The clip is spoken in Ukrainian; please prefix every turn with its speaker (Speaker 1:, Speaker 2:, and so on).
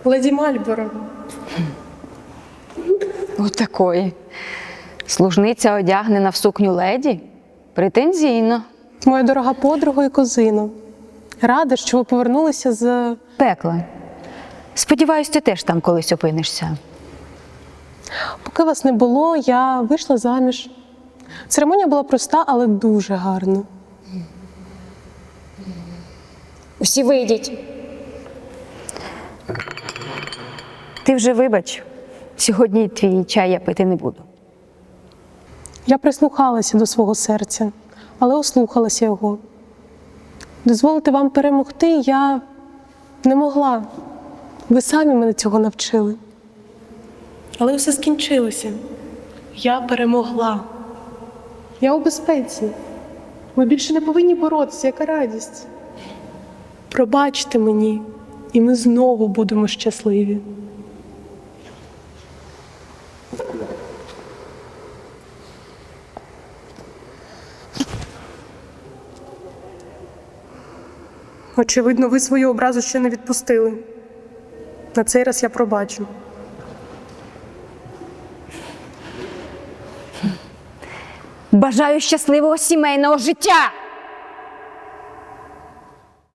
Speaker 1: Леді Мальборо.
Speaker 2: Отакої. Служниця одягнена в сукню леді? Претензійно.
Speaker 1: Моя дорога подруга і кузино. Рада, що ви повернулися з...
Speaker 2: Пекла. Сподіваюсь, ти теж там колись опинишся.
Speaker 1: Поки вас не було, я вийшла заміж. Церемонія була проста, але дуже гарна.
Speaker 3: Усі вийдіть.
Speaker 2: Ти вже вибач, сьогодні твій чай я пити не буду.
Speaker 1: Я прислухалася до свого серця, але ослухалася його. Дозволити вам перемогти я не могла. Ви самі мене цього навчили. Але все скінчилося. Я перемогла. Я у безпеці. Ми більше не повинні боротися, яка радість. Пробачте мені, і ми знову будемо щасливі. Очевидно, ви свою образу ще не відпустили. На цей раз я пробачу.
Speaker 2: Бажаю щасливого сімейного життя!